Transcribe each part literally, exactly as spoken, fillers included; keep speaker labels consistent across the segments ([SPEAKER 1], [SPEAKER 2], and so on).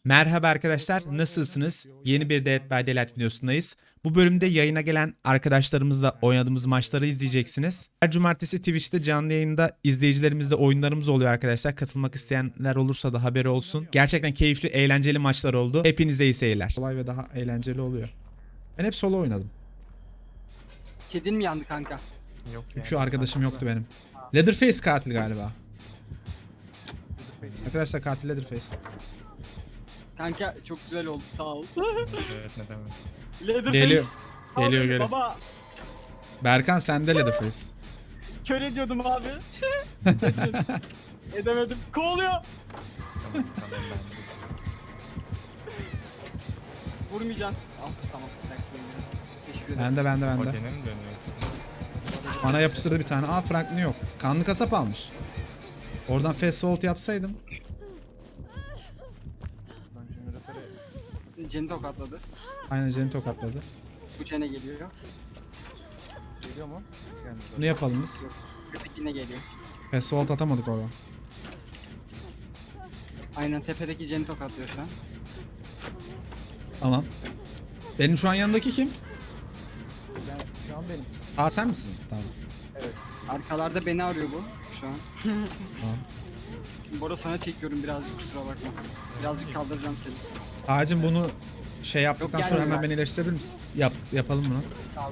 [SPEAKER 1] Merhaba arkadaşlar, nasılsınız? Yeni bir Dead by Daylight videosundayız. Bu bölümde yayına gelen arkadaşlarımızla oynadığımız maçları izleyeceksiniz. Her cumartesi Twitch'te canlı yayında izleyicilerimizle oyunlarımız oluyor arkadaşlar. Katılmak isteyenler olursa da haberi olsun. Gerçekten keyifli, eğlenceli maçlar oldu. Hepinize iyi seyirler. Kolay ve daha eğlenceli oluyor. Ben hep solo oynadım.
[SPEAKER 2] Kedin mi yandı kanka?
[SPEAKER 3] Yok
[SPEAKER 1] Çünkü arkadaşım yoktu benim. Leatherface katil galiba. Arkadaşlar katil Leatherface.
[SPEAKER 2] Kanka çok güzel oldu, sağ ol.
[SPEAKER 3] Evet, ne demek.
[SPEAKER 2] Leatherface.
[SPEAKER 1] Geliyor.
[SPEAKER 2] Sağ ol
[SPEAKER 1] Geliyor,
[SPEAKER 2] beni
[SPEAKER 1] geliyor.
[SPEAKER 2] Baba
[SPEAKER 1] Berkan sende Leatherface.
[SPEAKER 2] kör ediyordum abi. Edemedim. Edemedim. Kovalıyor.
[SPEAKER 3] Tamam, tamam ben.
[SPEAKER 2] Vurmayacaksın. Ah tamam. Bir dakika. Teşekkür ederim.
[SPEAKER 1] Bende bende bende.
[SPEAKER 3] Hoca'nın mi dönüyor?
[SPEAKER 1] Bana yapıştırdı bir tane. Aa Franklin yok. Kanlı kasap almış. Oradan fast forward yapsaydım.
[SPEAKER 2] Ceni tokatladı.
[SPEAKER 1] Aynen Jen'i tokatladı.
[SPEAKER 2] Bu Cene geliyor.
[SPEAKER 4] Geliyor mu? Gelmedi.
[SPEAKER 1] Ne yapalım biz?
[SPEAKER 2] Köpek yine geliyor.
[SPEAKER 1] Fast forward atamadık oradan.
[SPEAKER 2] Aynen tepedeki Ceni tokatlıyor şu an.
[SPEAKER 1] Tamam. Benim şu an yanındaki kim?
[SPEAKER 4] Ben, şu an benim.
[SPEAKER 1] Aa sen misin? Tamam.
[SPEAKER 2] Arkalarda beni arıyor bu şu an.
[SPEAKER 1] Tamam.
[SPEAKER 2] Bora sana çekiyorum birazcık, kusura bakma. Birazcık kaldıracağım seni.
[SPEAKER 1] Ağacım bunu şey yaptıktan
[SPEAKER 2] Yok,
[SPEAKER 1] sonra
[SPEAKER 2] gelme
[SPEAKER 1] hemen
[SPEAKER 2] ben.
[SPEAKER 1] beni iyileştirebilir misin? Yap, yapalım bunu.
[SPEAKER 2] Sağ ol.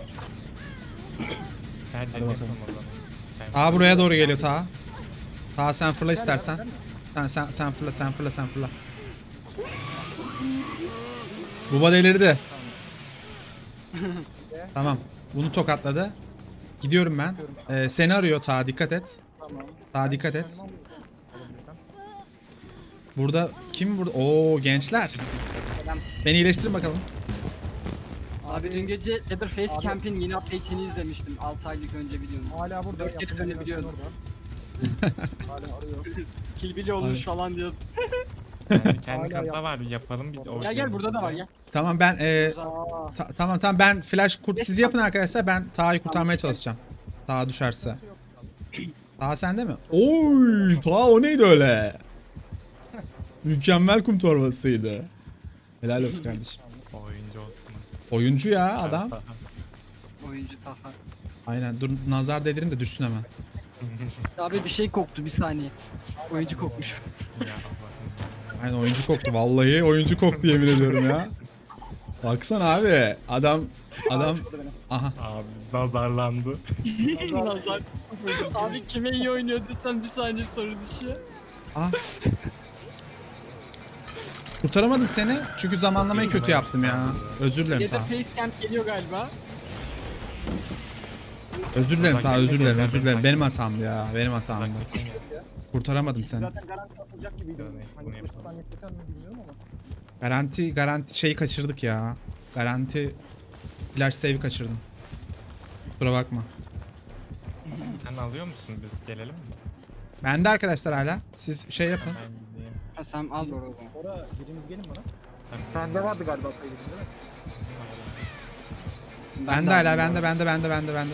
[SPEAKER 3] Ben de
[SPEAKER 1] bakalım.
[SPEAKER 3] yapalım o zaman. Ben-
[SPEAKER 1] Aa buraya doğru geliyor Ta. Ta sen fırla istersen. Sen sen sen fırla sen fırla sen fırla. Buba delirdi. Tamam. Bunu tokatladı. Gidiyorum ben. Ee, seni arıyor Ta, dikkat et.
[SPEAKER 4] Tamam.
[SPEAKER 1] Ta dikkat et.
[SPEAKER 4] Tamam. Alabilirsem.
[SPEAKER 1] Burada kim burada? Oo gençler. Beni iyileştirin bakalım.
[SPEAKER 2] Abi dün gece Leatherface
[SPEAKER 4] Abi-
[SPEAKER 2] Camp'in yeni update'ini izlemiştim altı aylık önce videonun.
[SPEAKER 4] Hala burada.
[SPEAKER 2] Dört kere
[SPEAKER 4] yapımcı
[SPEAKER 2] dönebiliyorum.
[SPEAKER 4] orada. Hala arıyor.
[SPEAKER 2] Kilbili olmuş
[SPEAKER 1] Abi.
[SPEAKER 2] falan diyordu.
[SPEAKER 3] Yani
[SPEAKER 4] Hala
[SPEAKER 3] kendi kanıta
[SPEAKER 4] yap-
[SPEAKER 3] var, yapalım biz. o
[SPEAKER 2] Gel gel burada da var gel.
[SPEAKER 1] Tamam ben e,
[SPEAKER 4] Aa,
[SPEAKER 1] ta- tamam tamam ben flash kurt siz yapın arkadaşlar, ben Taha'yı kurtarmaya çalışacağım. Taha düşerse. Taha sende mi? Oy Taha o neydi öyle? Mükemmel kum torbasıydı. Helal olsun kardeşim.
[SPEAKER 3] Oyuncu olsun.
[SPEAKER 1] Oyuncu ya adam.
[SPEAKER 2] Oyuncu Taha.
[SPEAKER 1] Aynen dur nazar dedirin de düşsün hemen.
[SPEAKER 2] Abi bir şey koktu bir saniye. Oyuncu kokmuş.
[SPEAKER 3] Ya Allah'ım.
[SPEAKER 1] Aynen oyuncu koktu, vallahi oyuncu koktu yemin ediyorum ya. Baksana abi adam adam aha
[SPEAKER 3] Abi nazarlandı.
[SPEAKER 2] Nazar. Abi kime iyi oynuyor desem bir saniye soru düşüyor.
[SPEAKER 1] ah. Kurtaramadım seni çünkü zamanlamayı kötü yaptım ya. Özür dilerim Taha.
[SPEAKER 2] Leatherface Camp geliyor galiba.
[SPEAKER 1] Özür dilerim Taha, özür dilerim, özür dilerim. Benim hatamdı ya, benim hatamdı.
[SPEAKER 3] Uzaktaki mi?
[SPEAKER 1] Kurtaramadım seni.
[SPEAKER 4] zaten garanti atılacak gibiydi.
[SPEAKER 3] Evet,
[SPEAKER 4] Hani
[SPEAKER 3] bunu
[SPEAKER 4] beş
[SPEAKER 3] yapalım.
[SPEAKER 4] saniye yeter mi bilmiyorum ama.
[SPEAKER 1] Garanti garanti şeyi kaçırdık ya. Garanti flash save'i kaçırdım. Kusura bakma.
[SPEAKER 3] Sen alıyor musun, biz gelelim mi?
[SPEAKER 1] Bende arkadaşlar hala. Siz şey yapın.
[SPEAKER 3] Ben gideyim.
[SPEAKER 2] Ha sen al Bora o zaman.
[SPEAKER 4] Ora biriniz gelin bana.
[SPEAKER 3] Ben
[SPEAKER 4] Sende vardı galiba sayılır değil mi?
[SPEAKER 1] Bende
[SPEAKER 2] de
[SPEAKER 1] hala,
[SPEAKER 2] aldım
[SPEAKER 1] bende
[SPEAKER 2] Bora.
[SPEAKER 1] bende bende bende bende.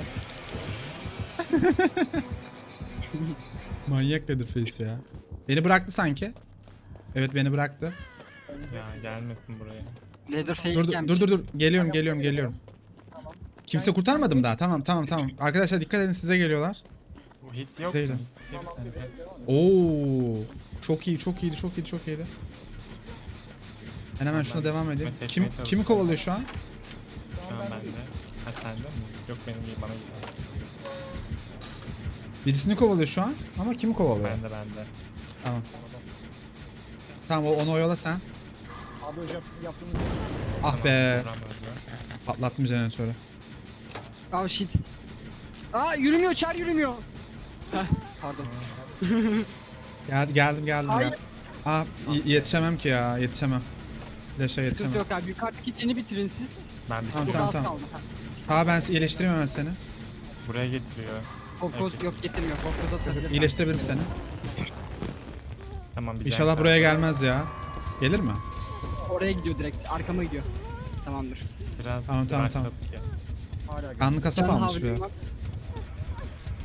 [SPEAKER 1] Manyak Leatherface ya. Beni bıraktı sanki. Evet beni bıraktı.
[SPEAKER 3] Ya gelmesin buraya.
[SPEAKER 2] Leatherface
[SPEAKER 1] Dur dur
[SPEAKER 2] Camp.
[SPEAKER 1] dur dur. dur. Geliyorum geliyorum geliyorum. Kimse kurtarmadım daha. Tamam tamam tamam. Arkadaşlar dikkat edin, size geliyorlar.
[SPEAKER 3] Bu hit yok.
[SPEAKER 1] Değil.
[SPEAKER 3] mu?
[SPEAKER 1] Oo. Çok iyi, çok iyiydi, çok iyiydi, çok iyiydi. Ben hemen şuna devam edeyim.
[SPEAKER 3] Çekmeye
[SPEAKER 1] Kim kimi
[SPEAKER 3] çalışıyorum.
[SPEAKER 1] kovalıyor şu an?
[SPEAKER 3] Şu an bende. Ha sende mi? Yok benim değil, bana gidiyor.
[SPEAKER 1] Birisini kovalıyor şu an ama kimi kovalıyor?
[SPEAKER 3] Bende bende.
[SPEAKER 1] Tamam. Tamam o- onu oyala sen.
[SPEAKER 4] Abi hocam yaptığımız
[SPEAKER 1] Ah be.
[SPEAKER 3] Vuramaz ya.
[SPEAKER 1] Patlattım jeneratörü.
[SPEAKER 2] Oh shit. Aa yürümüyor, çar yürümüyor. Heh, pardon.
[SPEAKER 1] Gel, geldim geldim
[SPEAKER 2] Hayır.
[SPEAKER 1] gel. Ah y- yetişemem ki ya, yetişemem. Flash'a
[SPEAKER 2] Sıkıntı
[SPEAKER 1] yetişemem.
[SPEAKER 2] yok abi. Yukarıdaki ceni bitirin siz.
[SPEAKER 3] Ben bir
[SPEAKER 1] Tamam,
[SPEAKER 2] Çok
[SPEAKER 1] tamam,
[SPEAKER 2] az
[SPEAKER 1] tamam.
[SPEAKER 2] kaldı. Ha.
[SPEAKER 1] Ha ben iyileştireyim hemen seni.
[SPEAKER 3] buraya getiriyor.
[SPEAKER 2] Kokkoz
[SPEAKER 3] Evet.
[SPEAKER 2] yok, getirmiyor. Kokkoz atabilir.
[SPEAKER 1] İyileştirebilirim seni.
[SPEAKER 3] Tamam bir
[SPEAKER 1] İnşallah
[SPEAKER 3] daha-
[SPEAKER 1] buraya gelmez ya. Gelir mi?
[SPEAKER 2] Oraya gidiyor direkt. Arkama gidiyor. Tamamdır.
[SPEAKER 3] Biraz
[SPEAKER 1] Tamam, tamam, tamam.
[SPEAKER 3] başladık ya.
[SPEAKER 4] hala geliyor.
[SPEAKER 1] Kanlı kasap
[SPEAKER 2] Canlı
[SPEAKER 1] almış bir.
[SPEAKER 2] havliyorum.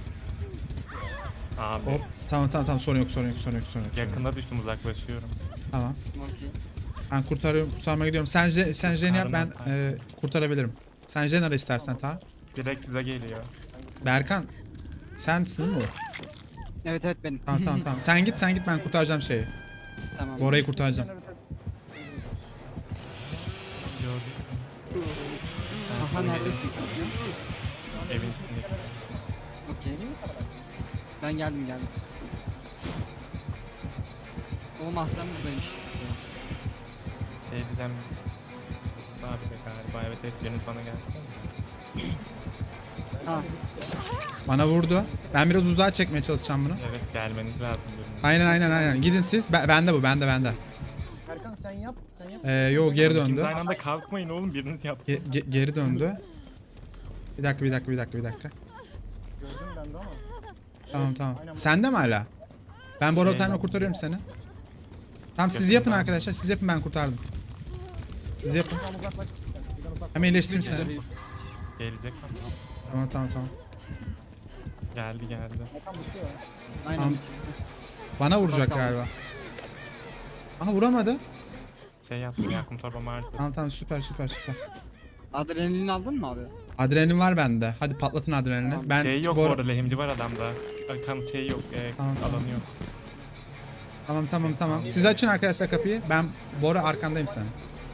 [SPEAKER 3] Abi
[SPEAKER 1] Hop. Tamam tamam tamam sorun yok sorun yok sorun yok sorun yok. sorun yok.
[SPEAKER 3] yakında düştüm, uzaklaşıyorum.
[SPEAKER 1] Tamam.
[SPEAKER 2] Okey.
[SPEAKER 1] Ben kurtarıyorum, kurtarmaya gidiyorum. Sen, Je- sen Jen'i yap, ben
[SPEAKER 3] Arama.
[SPEAKER 1] e, kurtarabilirim. Sen Jen ara istersen ta.
[SPEAKER 3] Direkt size geliyor.
[SPEAKER 1] Berkan, sensin değil mi?
[SPEAKER 2] Evet evet benim.
[SPEAKER 1] Tamam tamam tamam. Sen git, sen git, ben kurtaracağım şeyi.
[SPEAKER 2] Tamam.
[SPEAKER 1] Bora'yı kurtaracağım.
[SPEAKER 3] Gördük.
[SPEAKER 2] Aha neredesin?
[SPEAKER 3] Evin içindeki.
[SPEAKER 2] Okey. Ben geldim geldim. Oğlum aslan buradaymış.
[SPEAKER 3] Şey diyeceğim. Abi de galiba evet evet biriniz bana geldi.
[SPEAKER 2] Ha.
[SPEAKER 1] Bana vurdu. Ben biraz uzağa çekmeye çalışacağım bunu.
[SPEAKER 3] Evet gelmeniz lazım biriniz.
[SPEAKER 1] Aynen aynen aynen. Gidin siz. Ben, bende bu, bende bende.
[SPEAKER 4] Erkan sen yap. Sen yap.
[SPEAKER 1] Ee, yo geri
[SPEAKER 3] İkiniz
[SPEAKER 1] döndü.
[SPEAKER 3] aynı anda kalkmayın oğlum biriniz yapsın.
[SPEAKER 1] Ge- ge- geri döndü. Bir dakika bir dakika bir dakika bir dakika.
[SPEAKER 4] Gördüm ben de ama.
[SPEAKER 1] Tamam tamam.
[SPEAKER 4] aynen.
[SPEAKER 1] Sende mi hala? Ben Bora
[SPEAKER 3] Şey-
[SPEAKER 1] Time'la kurtarıyorum seni. Tamam siz
[SPEAKER 3] Yakın
[SPEAKER 1] yapın
[SPEAKER 3] ben.
[SPEAKER 1] arkadaşlar. Siz yapın, ben kurtardım. Siz yapın.
[SPEAKER 4] Tamam uzaklaş. Yani sizden uzaklaş.
[SPEAKER 1] Hem iyileştireyim seni.
[SPEAKER 3] Gelecek ama.
[SPEAKER 1] Tamam tamam tamam.
[SPEAKER 3] Geldi geldi.
[SPEAKER 4] Erkan bitiyor ya.
[SPEAKER 2] Aynen.
[SPEAKER 1] Tamam. Bana vuracak
[SPEAKER 2] kaldı.
[SPEAKER 1] galiba. Aha vuramadı.
[SPEAKER 3] Şey yaptım yakın torbamı harcadım.
[SPEAKER 1] Tamam tamam süper süper süper.
[SPEAKER 2] Adrenalin aldın mı abi?
[SPEAKER 1] Adrenalin var bende. Hadi patlatın adrenalini. Ben
[SPEAKER 3] Şey yok
[SPEAKER 1] Bora-
[SPEAKER 3] bu arada lehimci var adamda. Kan şey yok. E,
[SPEAKER 1] Tamam, tamam.
[SPEAKER 3] alanı yok.
[SPEAKER 1] Tamam tamam tamam. Siz açın arkadaşlar kapıyı. Ben Bora arkandayım senin.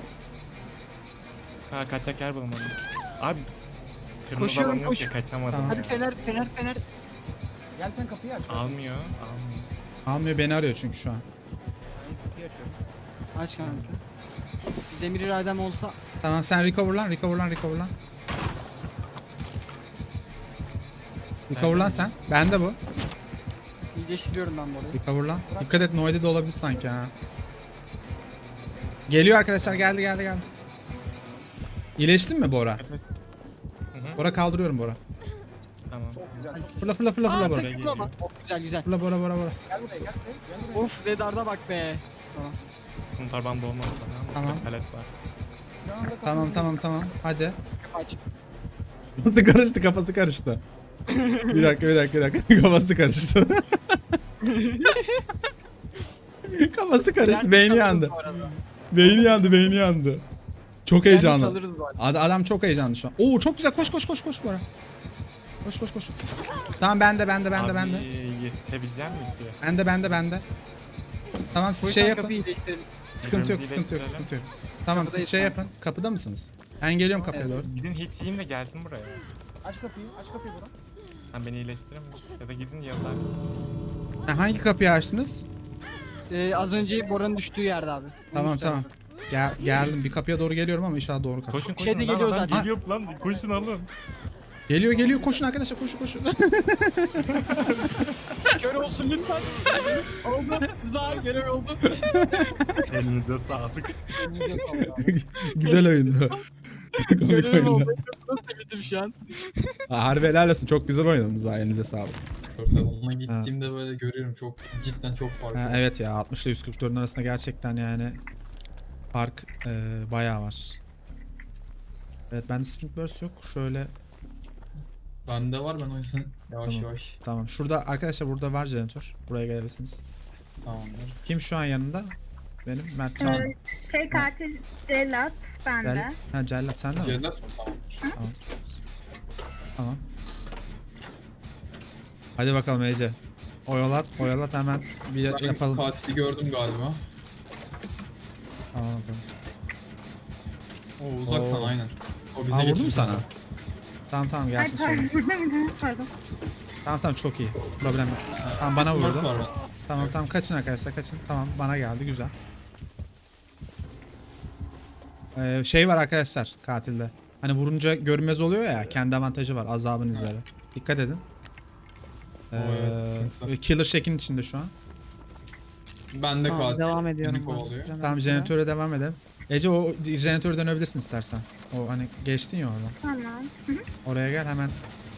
[SPEAKER 3] Ha kaçacak yer bulamadım. Abi kırmızı
[SPEAKER 2] Koşuyorum,
[SPEAKER 3] alanı yok ya
[SPEAKER 2] koşuyorum.
[SPEAKER 3] kaçamadım.
[SPEAKER 1] Tamam.
[SPEAKER 2] Hadi
[SPEAKER 3] ya.
[SPEAKER 2] fener fener fener.
[SPEAKER 4] Gel sen kapıyı aç.
[SPEAKER 3] Almıyor. Almıyor.
[SPEAKER 1] Almıyor, beni arıyor çünkü şu an.
[SPEAKER 4] Ben kapıyı açıyorum.
[SPEAKER 2] Aç kanka. Demir iradem olsa
[SPEAKER 1] Tamam sen recover lan, recover lan, recover lan. Recover lan sen. Bende bu.
[SPEAKER 2] iyileştiriyorum ben bu arayı.
[SPEAKER 1] Recover lan. Dikkat et, Noide de olabilir sanki ha. Geliyor arkadaşlar, geldi geldi geldi. İyileştin mi Bora?
[SPEAKER 3] Evet. Hı hı.
[SPEAKER 1] Bora kaldırıyorum Bora.
[SPEAKER 3] Tamam.
[SPEAKER 4] Çok güzel.
[SPEAKER 1] Fırla fırla fırla fırla
[SPEAKER 2] Aa
[SPEAKER 1] Bora.
[SPEAKER 2] tek ama. Oh, güzel güzel.
[SPEAKER 1] Fırla Bora Bora Bora.
[SPEAKER 4] Gel buraya gel buraya. Gel buraya.
[SPEAKER 2] Of radarda bak be. Tamam.
[SPEAKER 3] Bunun torbam dolmadı bana.
[SPEAKER 1] Tamam.
[SPEAKER 3] Bir palet var.
[SPEAKER 4] Şu anda kapıyı
[SPEAKER 1] Tamam tamam tamam. Hadi.
[SPEAKER 2] Aç.
[SPEAKER 1] Kafası karıştı, kafası karıştı. Bir dakika bir dakika bir dakika. Kafası karıştı. Kafası karıştı, beyni yandı.
[SPEAKER 2] Bu arada.
[SPEAKER 1] Beyni yandı, beyni yandı. Çok
[SPEAKER 2] Yani
[SPEAKER 1] heyecanlı.
[SPEAKER 2] alırız bu arada.
[SPEAKER 1] Ad- adam çok heyecanlı şu an. Oo çok güzel, koş koş koş koş Bora. Koş koş koş. Tamam bende bende bende
[SPEAKER 3] Abi,
[SPEAKER 1] bende.
[SPEAKER 3] yetişebilecek misin ki?
[SPEAKER 1] Bende bende bende. Tamam siz
[SPEAKER 2] Koy
[SPEAKER 1] şey
[SPEAKER 2] sen
[SPEAKER 1] yapın.
[SPEAKER 2] kapıyı iyileştirelim.
[SPEAKER 1] Sıkıntı yok,
[SPEAKER 3] Birbirimizi
[SPEAKER 1] sıkıntı yok,
[SPEAKER 3] iyileştirelim.
[SPEAKER 1] sıkıntı yok. Tamam siz
[SPEAKER 2] Kapıdayız
[SPEAKER 1] şey
[SPEAKER 2] şu an.
[SPEAKER 1] yapın. Kapıda mısınız? Ben geliyorum kapıya
[SPEAKER 2] Evet.
[SPEAKER 1] doğru.
[SPEAKER 3] Gidin hit yiyin de gelsin buraya.
[SPEAKER 4] aç kapıyı. Aç kapıyı Burak.
[SPEAKER 3] Sen beni iyileştirir misin? Ya da gidin yanına bir.
[SPEAKER 1] Ha, hangi kapıyı açtınız?
[SPEAKER 2] Ee, az önce Bora'nın düştüğü yerde abi.
[SPEAKER 1] Tamam
[SPEAKER 2] Üst
[SPEAKER 1] tamam.
[SPEAKER 2] tarafı.
[SPEAKER 1] Gel, geldim. Bir kapıya doğru geliyorum ama inşallah doğru kapı.
[SPEAKER 3] Koşun koşun
[SPEAKER 2] Şeyde
[SPEAKER 3] lan
[SPEAKER 2] geliyor
[SPEAKER 3] adam
[SPEAKER 2] zaten.
[SPEAKER 3] geliyor lan koşun alın.
[SPEAKER 1] Geliyor geliyor, koşun arkadaşlar, koşun koşun.
[SPEAKER 2] Kör olsun lütfen. Oldu. Zar görev oldu.
[SPEAKER 3] Elinize sağlık.
[SPEAKER 4] Elini yok abi.
[SPEAKER 1] Güzel oyundu. Komik
[SPEAKER 2] Görev
[SPEAKER 1] oyundu.
[SPEAKER 2] oldu. Çok sevindim şu an.
[SPEAKER 1] Ha, harbi helal olsun. Çok güzel oynadınız ha. Elinize sağlık.
[SPEAKER 5] Sezonuna gittiğimde böyle görüyorum çok cidden çok farklı.
[SPEAKER 1] Ha, evet ya, altmış ile yüz kırk dört'ün arasında gerçekten yani fark e, bayağı var. Evet bende Sprint Burst yok. Şöyle
[SPEAKER 5] Bende var ben o yüzden yavaş
[SPEAKER 1] Tamam.
[SPEAKER 5] yavaş
[SPEAKER 1] tamam. Şurada arkadaşlar, burada var jeneratör. Buraya gelebilirsiniz.
[SPEAKER 5] tamamdır.
[SPEAKER 1] Kim şu an yanında? Benim Mert Can.
[SPEAKER 6] Ee, şey katil cellat bende.
[SPEAKER 1] Cell, ha Cellat sende mi?
[SPEAKER 5] Cellat mı? Tamamdır.
[SPEAKER 1] Tamam. Hadi bakalım Ece. Oyalat, oyalat hemen bir
[SPEAKER 5] Ben
[SPEAKER 1] yapalım.
[SPEAKER 5] katili gördüm galiba.
[SPEAKER 1] Tamam bakalım.
[SPEAKER 5] O uzaksan
[SPEAKER 1] Oo.
[SPEAKER 5] aynen. O bize
[SPEAKER 1] Aa vurdu mu
[SPEAKER 5] getirdi.
[SPEAKER 1] sana? Tamam tamam
[SPEAKER 6] Ay
[SPEAKER 1] gelsin sonra.
[SPEAKER 6] pardon burada mıydı? Pardon.
[SPEAKER 1] Tamam tamam çok iyi. Problem yok. Tamam bana
[SPEAKER 5] Mars
[SPEAKER 1] vurdu.
[SPEAKER 5] var ben.
[SPEAKER 1] Tamam tamam kaçın arkadaşlar, kaçın. Tamam bana geldi, güzel. Ee, şey var arkadaşlar katilde. Hani vurunca görünmez oluyor ya, kendi avantajı var, azabın izleri. Dikkat edin.
[SPEAKER 5] O evet,
[SPEAKER 1] Ee,
[SPEAKER 5] sıkıntı.
[SPEAKER 1] killer Shack'in içinde şu an.
[SPEAKER 5] Ben de
[SPEAKER 2] Tamam,
[SPEAKER 5] katil.
[SPEAKER 2] devam ediyorum
[SPEAKER 5] Beni
[SPEAKER 2] ben.
[SPEAKER 5] kovalıyor.
[SPEAKER 1] Tamam jeneratöre devam edelim. Ece o jeneratöre dönebilirsin istersen. O hani geçtin ya oradan.
[SPEAKER 6] Tamam.
[SPEAKER 1] Oraya gel hemen.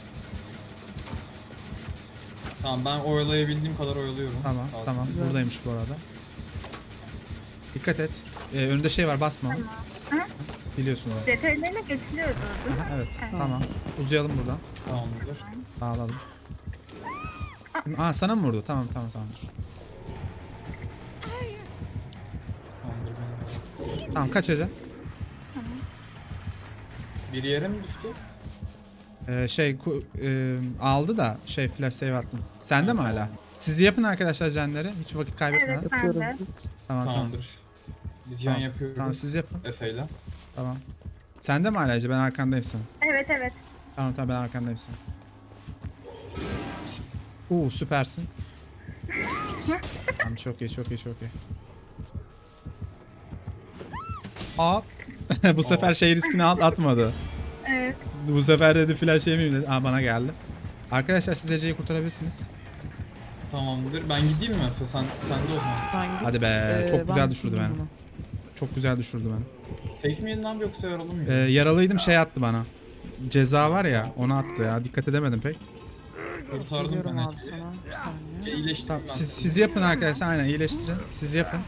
[SPEAKER 5] Tamam ben oyalayabildiğim kadar oyalıyorum.
[SPEAKER 1] Tamam
[SPEAKER 5] Katil.
[SPEAKER 1] tamam buradaymış bu arada. Dikkat et. Ee, önünde şey var, basma. onu.
[SPEAKER 6] Hı?
[SPEAKER 1] Biliyorsun onu.
[SPEAKER 6] Detaylarına geçiliyordu. değil mi?
[SPEAKER 1] Aha, evet tamam. Uzayalım buradan.
[SPEAKER 5] Tamamdır.
[SPEAKER 1] Bağladım. Aa sana mı vurdu? Tamam tamam tamam dur. Tamam kaç Ece?
[SPEAKER 5] Bir yere mi düştü?
[SPEAKER 1] Ee, şey ku- e, aldı da şey flash save attım. Sende mi hala? Siz yapın arkadaşlar jenleri. Hiç vakit kaybetmeden.
[SPEAKER 6] Evet ben de.
[SPEAKER 1] Tamam tamam.
[SPEAKER 5] Tamamdır. Biz can
[SPEAKER 1] Tamam,
[SPEAKER 5] yapıyoruz.
[SPEAKER 1] tamam siz yapın.
[SPEAKER 5] Efe'yle.
[SPEAKER 1] Tamam. Sende mi hala Ece? Ben arkandayım senin.
[SPEAKER 6] Evet evet.
[SPEAKER 1] Tamam tamam ben arkandayım senin. Uuu süpersin. Tamam çok iyi çok iyi çok iyi. Hop. Bu sefer şey riskini at- atmadı.
[SPEAKER 6] Evet.
[SPEAKER 1] Bu sefer dedi flash yemeyeyim dedi. Aa bana geldi. Arkadaşlar siz Ece'yi kurtarabilirsiniz.
[SPEAKER 5] Tamamdır. Ben gideyim mi Efe? Sen, sen de o zaman.
[SPEAKER 7] Sen git.
[SPEAKER 1] Hadi be
[SPEAKER 7] Ee,
[SPEAKER 1] çok
[SPEAKER 7] ben
[SPEAKER 1] güzel düşürdü
[SPEAKER 7] tutayım
[SPEAKER 1] beni.
[SPEAKER 7] bunu.
[SPEAKER 1] Çok güzel düşürdü beni.
[SPEAKER 5] Tek mi yeniden yoksa yaralı mı?
[SPEAKER 1] Ee, yaralıydım şey attı bana. Ceza var ya onu attı ya. Dikkat edemedim pek.
[SPEAKER 5] Kurtardım
[SPEAKER 7] Geliyorum
[SPEAKER 5] ben
[SPEAKER 7] abi
[SPEAKER 5] Ece'yi.
[SPEAKER 7] sana. Bir saniye.
[SPEAKER 5] Şey, iyileştim
[SPEAKER 1] Tamam,
[SPEAKER 5] ben.
[SPEAKER 1] siz, siz yapın arkadaşlar aynen iyileştirin. Siz yapın.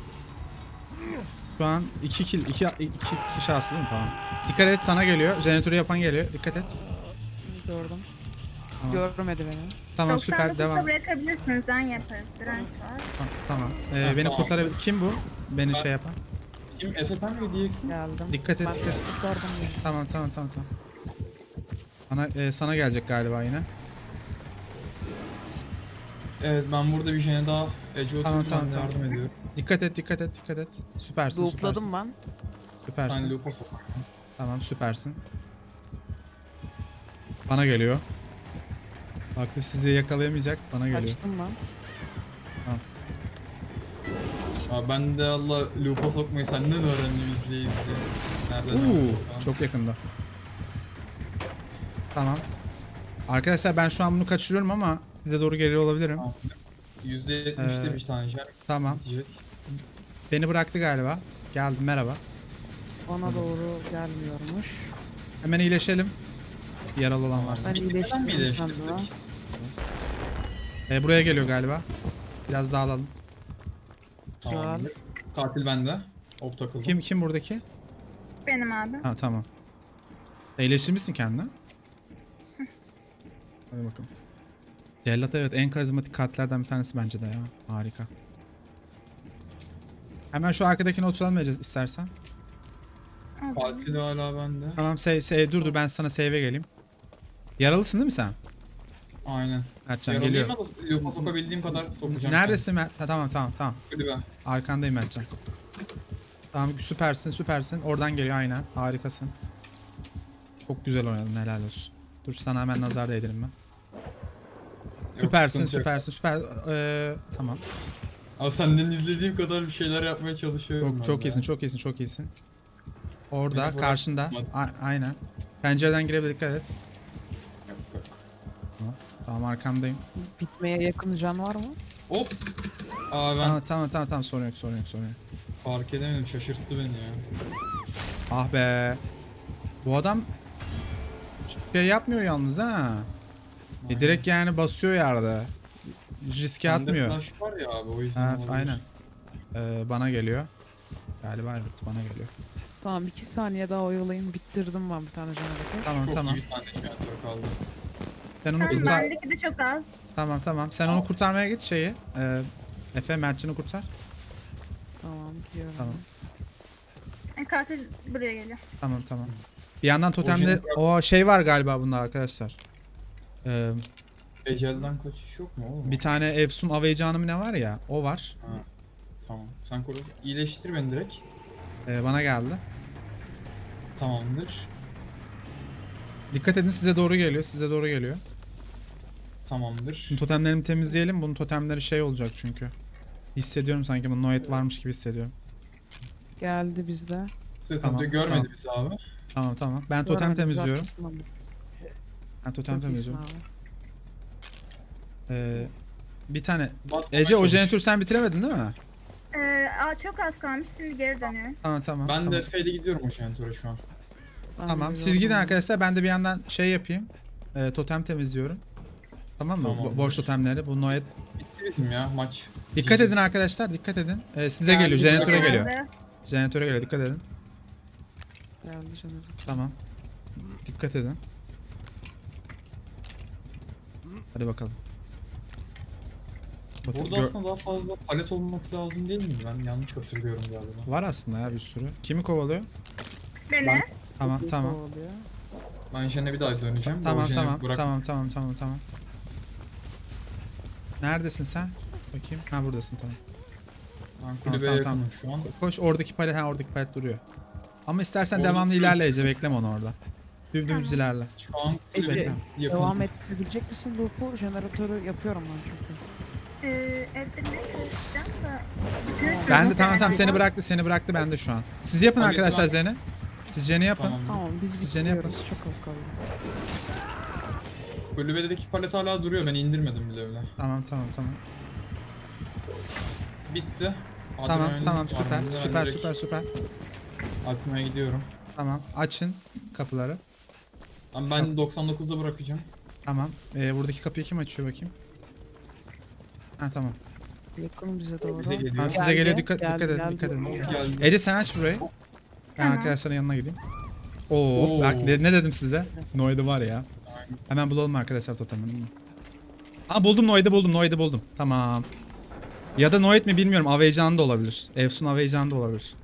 [SPEAKER 1] Şu an iki kill, iki, iki kişi şanslı değil mi? Tamam. Dikkat et sana geliyor. Jeneratörü yapan geliyor. Dikkat et.
[SPEAKER 7] Gördüm.
[SPEAKER 1] Tamam,
[SPEAKER 7] Görmedi beni.
[SPEAKER 1] tamam süper
[SPEAKER 6] doksan dokuzda
[SPEAKER 1] devam.
[SPEAKER 6] bırakabilirsiniz. Can yaparız. Direnç var.
[SPEAKER 1] Tamam. tamam. Ee,
[SPEAKER 5] Ha,
[SPEAKER 1] beni
[SPEAKER 5] tamam.
[SPEAKER 1] kurtarabilir. Kim bu? Beni şey yapan.
[SPEAKER 5] Kim? Efe sen mi diyeceksin?
[SPEAKER 7] Geldim.
[SPEAKER 1] Dikkat et
[SPEAKER 7] Ben
[SPEAKER 1] dikkat et.
[SPEAKER 7] kurtardım beni.
[SPEAKER 1] Tamam tamam tamam tamam. Bana, e, sana gelecek galiba yine.
[SPEAKER 5] Evet ben burada bir jene daha Ece
[SPEAKER 1] Tamam,
[SPEAKER 5] oturdu
[SPEAKER 1] tamam,
[SPEAKER 5] ben
[SPEAKER 1] tamam.
[SPEAKER 5] yardım ediyorum.
[SPEAKER 1] Dikkat et dikkat et dikkat et. Süpersin süpersin.
[SPEAKER 7] Loop'ladım ben.
[SPEAKER 1] Süpersin.
[SPEAKER 5] Sen loop'a sok.
[SPEAKER 1] Tamam süpersin. Bana geliyor. Baklı sizi yakalayamayacak. Bana geliyor.
[SPEAKER 7] Kaçtım ben.
[SPEAKER 5] Abi ben de Allah loop'a sokmayı senden öğrendim izleye izleye. Nereden
[SPEAKER 1] Uuu
[SPEAKER 5] öğrendin?
[SPEAKER 1] çok yakında. Tamam. Arkadaşlar ben şu an bunu kaçırıyorum ama size doğru geliyor olabilirim.
[SPEAKER 5] Tamam. yüzde yetmişte
[SPEAKER 1] Ee,
[SPEAKER 5] bir tane jen
[SPEAKER 1] Tamam.
[SPEAKER 5] bitecek.
[SPEAKER 1] Beni bıraktı galiba. Geldim merhaba.
[SPEAKER 7] Bana doğru gelmiyormuş.
[SPEAKER 1] Hemen iyileşelim. Yaralı olan varsa.
[SPEAKER 7] Ben
[SPEAKER 5] Bitmeden mi
[SPEAKER 7] iyileştim
[SPEAKER 5] iyileştirsek?
[SPEAKER 7] kendime.
[SPEAKER 1] Ee, buraya geliyor galiba. Biraz daha alalım.
[SPEAKER 5] Tamam. Katil bende. Hop takıldı.
[SPEAKER 1] Kim kim buradaki?
[SPEAKER 6] Benim abi.
[SPEAKER 1] Ha tamam. İyileştirmişsin kendini. Hadi bakalım. Cellat evet en karizmatik katlerden bir tanesi bence de ya. Harika. Hemen şu arkadakine oturalım Ece istersen.
[SPEAKER 5] Katil hala bende.
[SPEAKER 1] Tamam save, save dur dur ben sana save'e geleyim. Yaralısın değil mi sen?
[SPEAKER 5] Aynen.
[SPEAKER 1] Mertcan
[SPEAKER 5] Yaralıyım
[SPEAKER 1] geliyor.
[SPEAKER 5] ama loop'a sokabildiğim kadar sokacağım.
[SPEAKER 1] Neredesin Mert? Ha, tamam tamam tamam.
[SPEAKER 5] Kulübe.
[SPEAKER 1] Arkandayım Mertcan. Tamam süpersin süpersin. Oradan geliyor aynen. Harikasın. Çok güzel oynadın helal olsun. Dur sana hemen nazar değdirim ben.
[SPEAKER 5] Yok,
[SPEAKER 1] Süpersin
[SPEAKER 5] sıkıntı yok.
[SPEAKER 1] süpersin süper. Ee, tamam.
[SPEAKER 5] Ama senden izlediğim kadar bir şeyler yapmaya çalışıyorum.
[SPEAKER 1] Çok
[SPEAKER 5] ben
[SPEAKER 1] çok
[SPEAKER 5] de.
[SPEAKER 1] iyisin çok iyisin çok iyisin. Orada
[SPEAKER 5] Beni bırak-
[SPEAKER 1] karşında. A- aynen. Pencereden girebilir dikkat et.
[SPEAKER 5] Yok, yok.
[SPEAKER 1] Tamam arkandayım.
[SPEAKER 7] Bitmeye yakın can var mı?
[SPEAKER 5] Hop. Aa ben
[SPEAKER 1] Tamam tamam tamam tamam sorun yok sorun yok sorun yok.
[SPEAKER 5] fark edemedim. Şaşırttı beni ya.
[SPEAKER 1] Ah be. Bu adam şey yapmıyor yalnız ha. E, direkt yani basıyor yerde. Riske
[SPEAKER 5] Bende
[SPEAKER 1] atmıyor.
[SPEAKER 5] flash var ya abi o yüzden
[SPEAKER 1] Ha,
[SPEAKER 5] olabilir.
[SPEAKER 1] aynen. Ee, bana geliyor. Galiba evet bana geliyor.
[SPEAKER 7] Tamam iki saniye daha oyalayayım. Bittirdim ben bir tane jeneratör.
[SPEAKER 1] Tamam
[SPEAKER 5] Çok
[SPEAKER 1] tamam.
[SPEAKER 5] iyi bir tane jeneratör kaldı.
[SPEAKER 1] Sen onu
[SPEAKER 6] Tamam
[SPEAKER 1] kurtar.
[SPEAKER 6] bendeki de çok az.
[SPEAKER 1] Tamam tamam. Sen onu kurtarmaya git şeyi. Ee, Efe Mertcan'ı kurtar.
[SPEAKER 7] Tamam gidiyorum.
[SPEAKER 1] Tamam.
[SPEAKER 6] E, katil buraya geliyor.
[SPEAKER 1] Tamam tamam. Bir yandan totemde
[SPEAKER 5] jeni bırak-
[SPEAKER 1] o şey var galiba bunda arkadaşlar. Ee,
[SPEAKER 5] Ecelden kaçış yok mu oğlum?
[SPEAKER 1] bir tane Efsun Aveycanı mı ne var ya o var.
[SPEAKER 5] Tamam. Sen koru. İyileştir beni direkt.
[SPEAKER 1] Ee, bana geldi.
[SPEAKER 5] Tamamdır.
[SPEAKER 1] Dikkat edin size doğru geliyor. Size doğru geliyor.
[SPEAKER 5] Tamamdır.
[SPEAKER 1] Şimdi totemlerimi temizleyelim. Bunun totemleri şey olacak çünkü. Hissediyorum sanki bunun noet varmış gibi hissediyorum.
[SPEAKER 7] Geldi bizde.
[SPEAKER 5] Sıkıntı
[SPEAKER 1] Tamam,
[SPEAKER 5] yok. görmedi
[SPEAKER 1] tamam.
[SPEAKER 5] bizi abi.
[SPEAKER 1] Tamam tamam. Ben totem
[SPEAKER 7] Görmedim,
[SPEAKER 1] temizliyorum.
[SPEAKER 7] haklısın ama.
[SPEAKER 1] Ben totem
[SPEAKER 7] Çok iyisin
[SPEAKER 1] temizliyorum.
[SPEAKER 7] abi.
[SPEAKER 1] Ee, bir tane.
[SPEAKER 5] Basmaya
[SPEAKER 1] Ece o
[SPEAKER 5] çalış.
[SPEAKER 1] jeneratörü sen bitiremedin değil mi?
[SPEAKER 6] Ee, aa, çok az kalmış. Şimdi geri dönüyor.
[SPEAKER 1] Tamam tamam.
[SPEAKER 5] Ben
[SPEAKER 1] tamam.
[SPEAKER 5] de F'yle gidiyorum o jeneratöre şu an.
[SPEAKER 7] Ben
[SPEAKER 1] Tamam.
[SPEAKER 7] de
[SPEAKER 1] Siz
[SPEAKER 7] gördüm
[SPEAKER 1] gidin
[SPEAKER 7] onu.
[SPEAKER 1] arkadaşlar. Ben de bir yandan şey yapayım. Ee, totem temizliyorum. Tamam mı? Bo-
[SPEAKER 5] Tamamdır.
[SPEAKER 1] boş totemleri. Bu noet.
[SPEAKER 5] Bitti bizim ya maç.
[SPEAKER 1] Dikkat
[SPEAKER 5] Cici.
[SPEAKER 1] edin arkadaşlar. Dikkat edin. Ee, size
[SPEAKER 5] Geldi,
[SPEAKER 1] geliyor. Jeneratöre
[SPEAKER 5] bırak-
[SPEAKER 1] geliyor.
[SPEAKER 6] Geldi.
[SPEAKER 1] Jeneratöre geliyor. Dikkat edin.
[SPEAKER 7] Geldi jeneratör.
[SPEAKER 1] Tamam. Dikkat edin. Hadi bakalım. Totem-
[SPEAKER 5] Burada
[SPEAKER 1] gö-
[SPEAKER 5] aslında daha fazla palet olması lazım değil mi? Ben yanlış hatırlıyorum galiba.
[SPEAKER 1] Var aslında ya bir sürü. Kimi kovalıyor?
[SPEAKER 6] Beni.
[SPEAKER 5] Ben-
[SPEAKER 1] Tamam
[SPEAKER 7] Bir
[SPEAKER 1] tamam.
[SPEAKER 7] kovalıyor.
[SPEAKER 5] Ben Jen'e bir daha döneceğim.
[SPEAKER 1] Tamam
[SPEAKER 5] O Jen'i
[SPEAKER 1] tamam
[SPEAKER 5] bırak-
[SPEAKER 1] tamam tamam tamam tamam. Neredesin sen? Bakayım. Ha buradasın tamam.
[SPEAKER 5] Ben
[SPEAKER 1] Tamam,
[SPEAKER 5] kulübeye
[SPEAKER 1] tamam,
[SPEAKER 5] yakınım şu an.
[SPEAKER 1] Koş oradaki palet, ha oradaki palet duruyor. Ama istersen
[SPEAKER 5] Orada
[SPEAKER 1] devamlı
[SPEAKER 5] duruyor.
[SPEAKER 1] ilerle Ece, bekleme onu orada. Dümdüz
[SPEAKER 6] Tamam.
[SPEAKER 1] ilerle.
[SPEAKER 5] Şu an
[SPEAKER 7] Ece,
[SPEAKER 5] kulübeye yakınım.
[SPEAKER 7] Devam ettirebilecek misin loop'u? Jeneratörü yapıyorum ben çünkü.
[SPEAKER 6] Ee, evde ne çalışacağım da. Bütün
[SPEAKER 1] Ben de
[SPEAKER 6] sürü-
[SPEAKER 1] tamam tamam seni bıraktı seni bıraktı ben de şu an. Siz yapın
[SPEAKER 5] Hadi,
[SPEAKER 1] arkadaşlar
[SPEAKER 5] tamam.
[SPEAKER 1] Jen'i. Siz Jen'i yapın.
[SPEAKER 5] Tamam.
[SPEAKER 7] Tamam biz
[SPEAKER 1] Sizce ne yapın?
[SPEAKER 7] bitiriyoruz. Çok az kaldı.
[SPEAKER 5] Kulübedeki palet hala duruyor. Ben indirmedim bile öyle.
[SPEAKER 1] Tamam tamam tamam.
[SPEAKER 5] Bitti.
[SPEAKER 1] Tamam
[SPEAKER 5] Adrenalin
[SPEAKER 1] tamam
[SPEAKER 5] var
[SPEAKER 1] süper
[SPEAKER 5] bende. Ben
[SPEAKER 1] süper
[SPEAKER 5] direkt
[SPEAKER 1] süper süper.
[SPEAKER 5] Atmaya gidiyorum.
[SPEAKER 1] Tamam açın kapıları.
[SPEAKER 5] Ama ben doksan dokuzda bırakacağım.
[SPEAKER 1] Tamam. Ee, buradaki kapıyı kim açıyor bakayım? Ha tamam.
[SPEAKER 7] Yakın bize doğru.
[SPEAKER 5] Bize geliyor.
[SPEAKER 1] Tamam size
[SPEAKER 7] Geldi,
[SPEAKER 1] geliyor dikkat
[SPEAKER 7] geldi,
[SPEAKER 1] dikkat edin
[SPEAKER 7] geldi.
[SPEAKER 1] dikkat edin.
[SPEAKER 5] Geldi.
[SPEAKER 1] Ece sen aç burayı. Ben
[SPEAKER 6] Tamam.
[SPEAKER 1] arkadaşların yanına gideyim. Oo,
[SPEAKER 5] Oo.
[SPEAKER 1] bak ne, ne dedim size? Noid'i var ya. Hemen bulalım arkadaşlar totemini. Aa buldum Noid'i buldum Noid'i buldum. Tamam. Ya da Noid mi bilmiyorum. Aveycan da olabilir. Efsun Aveycan da olabilir.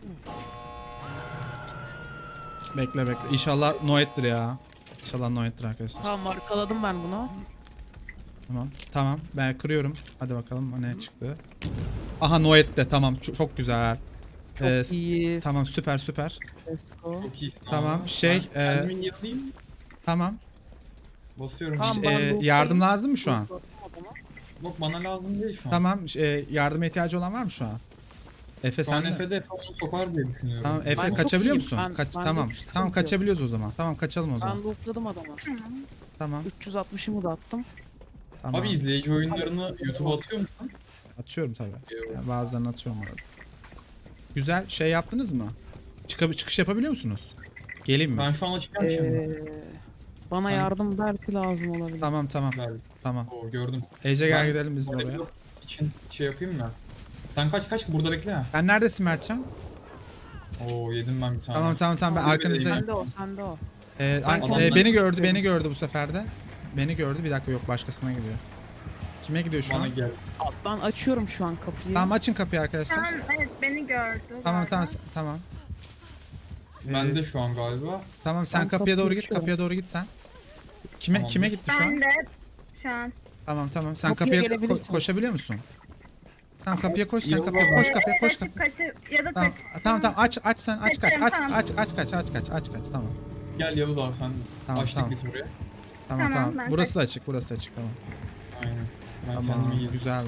[SPEAKER 1] Bekle bekle. İnşallah Noid'dir ya. İnşallah Noid'dir arkadaşlar.
[SPEAKER 7] Tamam markaladım ben bunu.
[SPEAKER 1] Tamam. Tamam. Ben kırıyorum. Hadi bakalım ne çıktı. Aha Noid de tamam. Çok, çok güzel.
[SPEAKER 7] Çok
[SPEAKER 1] Ee, s-
[SPEAKER 7] iyiyiz.
[SPEAKER 1] Tamam süper süper.
[SPEAKER 7] Let's go.
[SPEAKER 5] Çok iyisin
[SPEAKER 1] Tamam,
[SPEAKER 5] abi.
[SPEAKER 1] şey,
[SPEAKER 5] Ben
[SPEAKER 1] e,
[SPEAKER 5] kendimin yanındayım.
[SPEAKER 1] Tamam.
[SPEAKER 5] Basıyorum.
[SPEAKER 7] Tamam,
[SPEAKER 1] Ş-
[SPEAKER 7] ben
[SPEAKER 1] e,
[SPEAKER 7] loot'tayım.
[SPEAKER 1] yardım lazım mı şu an?
[SPEAKER 5] Yok bana lazım değil şu an.
[SPEAKER 1] Tamam. ş- e, yardıma ihtiyacı olan var mı şu an? Efe
[SPEAKER 5] Şu an
[SPEAKER 1] sen de.
[SPEAKER 5] Efe'de onu sokar diye düşünüyorum.
[SPEAKER 1] Tamam Efe
[SPEAKER 7] Ben çok
[SPEAKER 1] kaçabiliyor
[SPEAKER 7] iyiyim.
[SPEAKER 1] musun?
[SPEAKER 7] Ben-
[SPEAKER 1] Kaç
[SPEAKER 7] bende
[SPEAKER 1] tamam.
[SPEAKER 7] hiç sıkıntı
[SPEAKER 1] Tamam
[SPEAKER 7] yok.
[SPEAKER 1] kaçabiliyoruz o zaman. Tamam kaçalım o zaman.
[SPEAKER 7] Ben lootladım adamı.
[SPEAKER 1] Tamam.
[SPEAKER 7] üç yüz altmışımı da attım.
[SPEAKER 1] Tamam.
[SPEAKER 5] Abi izleyici oyunlarını YouTube'a atıyor musun?
[SPEAKER 1] Atıyorum tabii.
[SPEAKER 5] Yok.
[SPEAKER 1] Yani bazılarını atıyorum orada. Güzel şey yaptınız mı? Çıkab çıkış yapabiliyor musunuz? Geleyim mi?
[SPEAKER 5] Ben şu an açacağım şimdi.
[SPEAKER 7] Ee, bana
[SPEAKER 5] Sen-
[SPEAKER 7] yardım belki lazım olabilir.
[SPEAKER 1] Tamam tamam.
[SPEAKER 5] Ver.
[SPEAKER 1] Tamam.
[SPEAKER 5] Oo, gördüm.
[SPEAKER 1] Ece gel
[SPEAKER 5] Ben-
[SPEAKER 1] gidelim biz oraya.
[SPEAKER 5] Yok için şey yapayım mı? Sen kaç kaç burada bekle. ha.
[SPEAKER 1] Sen neredesin Mertcan?
[SPEAKER 5] Oo yedim ben bir tane.
[SPEAKER 1] Tamam tamam tamam ben
[SPEAKER 5] Tamam,
[SPEAKER 1] arkanızdayım.
[SPEAKER 7] Sende o, sende o.
[SPEAKER 1] Ee, ay-
[SPEAKER 5] Adamlar-
[SPEAKER 1] e, beni gördü beni gördü bu sefer de. Beni gördü bir dakika yok başkasına gidiyor. Kime gidiyor şu
[SPEAKER 5] Bana
[SPEAKER 1] an?
[SPEAKER 5] gel.
[SPEAKER 7] Ben açıyorum şu an kapıyı.
[SPEAKER 1] Tamam açın kapıyı arkadaşlar.
[SPEAKER 6] Tamam evet beni gördü.
[SPEAKER 1] Tamam
[SPEAKER 6] galiba.
[SPEAKER 1] tamam s- tamam.
[SPEAKER 5] Ben
[SPEAKER 1] Ee,
[SPEAKER 5] de şu an galiba.
[SPEAKER 1] Tamam sen
[SPEAKER 7] Ben
[SPEAKER 1] kapıya
[SPEAKER 7] kapıyı
[SPEAKER 1] doğru git
[SPEAKER 7] açıyorum.
[SPEAKER 1] kapıya doğru git sen. Kime
[SPEAKER 5] Tamamdır.
[SPEAKER 1] kime gitti şu an?
[SPEAKER 6] Ben de şu an.
[SPEAKER 1] Tamam tamam sen
[SPEAKER 7] Kapıya
[SPEAKER 1] kapıya ko-
[SPEAKER 7] gelebilirsin.
[SPEAKER 1] koşabiliyor musun? Tamam kapıya koş sen
[SPEAKER 5] Yok,
[SPEAKER 1] kapıya
[SPEAKER 5] yok.
[SPEAKER 1] koş kapıya koş
[SPEAKER 6] Kaçıp
[SPEAKER 1] kapıya.
[SPEAKER 6] kaçıp ya da
[SPEAKER 1] Tamam
[SPEAKER 6] kaç.
[SPEAKER 1] tamam tamam aç aç sen aç kaç
[SPEAKER 6] Kaçarım,
[SPEAKER 1] aç
[SPEAKER 6] tamam.
[SPEAKER 1] aç aç kaç aç kaç aç kaç tamam.
[SPEAKER 5] Gel Yavuz abi sen
[SPEAKER 1] Tamam,
[SPEAKER 5] açtık
[SPEAKER 1] tamam.
[SPEAKER 5] biz buraya.
[SPEAKER 1] Tamam
[SPEAKER 6] Tamam,
[SPEAKER 1] tamam.
[SPEAKER 6] ben
[SPEAKER 1] Burası da açık burası da açık tamam.
[SPEAKER 5] Aynen. Ben
[SPEAKER 1] Tamam
[SPEAKER 5] kendimi yedim.
[SPEAKER 1] güzel.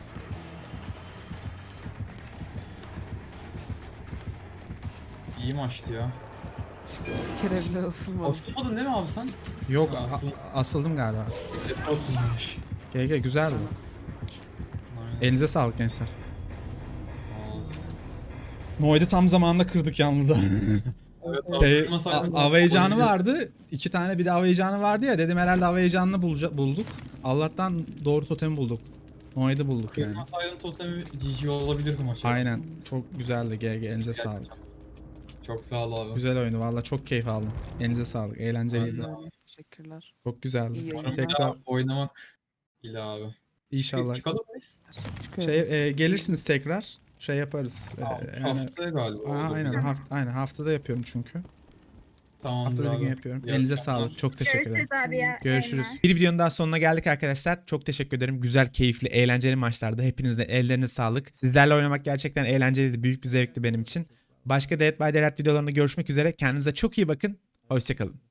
[SPEAKER 5] İyi maçtı ya.
[SPEAKER 7] Kerevle ısınmadım.
[SPEAKER 5] Asılmadın değil mi abi sen?
[SPEAKER 1] Yok
[SPEAKER 5] Ha,
[SPEAKER 1] a-
[SPEAKER 5] asıl-
[SPEAKER 1] asıldım galiba.
[SPEAKER 5] Asılmamış.
[SPEAKER 1] G G güzeldi.
[SPEAKER 5] Aynen.
[SPEAKER 1] Elinize sağlık gençler.
[SPEAKER 5] Ağzı.
[SPEAKER 1] Noid'i tam zamanında kırdık yalnız da.
[SPEAKER 5] Evet
[SPEAKER 1] Şey,
[SPEAKER 5] abi. kırmasaydın-
[SPEAKER 1] a- Aveycanı vardı. İki tane bir de Aveycanı vardı ya. Dedim herhalde Aveycan'ı bulca- bulduk. Allah'tan doğru totemi bulduk. Noid'i bulduk yani.
[SPEAKER 5] Kırmasaydın totemi G G olabilirdi maçı.
[SPEAKER 1] Aynen. Çok güzeldi G G. Elinize sağlık.
[SPEAKER 5] Çok sağ ol abi.
[SPEAKER 1] Güzel oyunu. Valla çok keyif aldım. Elinize sağlık. Eğlenceliydi.
[SPEAKER 5] Ben de-
[SPEAKER 7] Teşekkürler.
[SPEAKER 1] Çok güzeldi.
[SPEAKER 7] İyi
[SPEAKER 5] Umarım bir
[SPEAKER 1] Tekrar
[SPEAKER 5] daha oynamak ile abi.
[SPEAKER 1] inşallah.
[SPEAKER 5] Çıkalım mıyız?
[SPEAKER 7] Çıkıyorum.
[SPEAKER 1] Şey e, gelirsiniz tekrar. Şey yaparız. E, yani,
[SPEAKER 5] Haftaya galiba.
[SPEAKER 1] Aa,
[SPEAKER 5] olur.
[SPEAKER 1] aynen haft aynen haftada yapıyorum çünkü.
[SPEAKER 5] Tamamdır
[SPEAKER 1] Haftada bir
[SPEAKER 5] abi.
[SPEAKER 1] gün yapıyorum.
[SPEAKER 5] İyi
[SPEAKER 1] Elinize
[SPEAKER 5] akşamlar.
[SPEAKER 1] sağlık. Çok teşekkür ederim.
[SPEAKER 6] Görüşürüz abi ya.
[SPEAKER 1] Görüşürüz.
[SPEAKER 6] Eyvallah.
[SPEAKER 1] Bir videonun daha sonuna geldik arkadaşlar. Çok teşekkür ederim. Güzel, keyifli, eğlenceli maçlarda. Hepinizde ellerine sağlık. Sizlerle oynamak gerçekten eğlenceliydi. Büyük bir zevkti benim için. Başka Dead by Daylight videolarında görüşmek üzere. Kendinize çok iyi bakın. Hoşçakalın.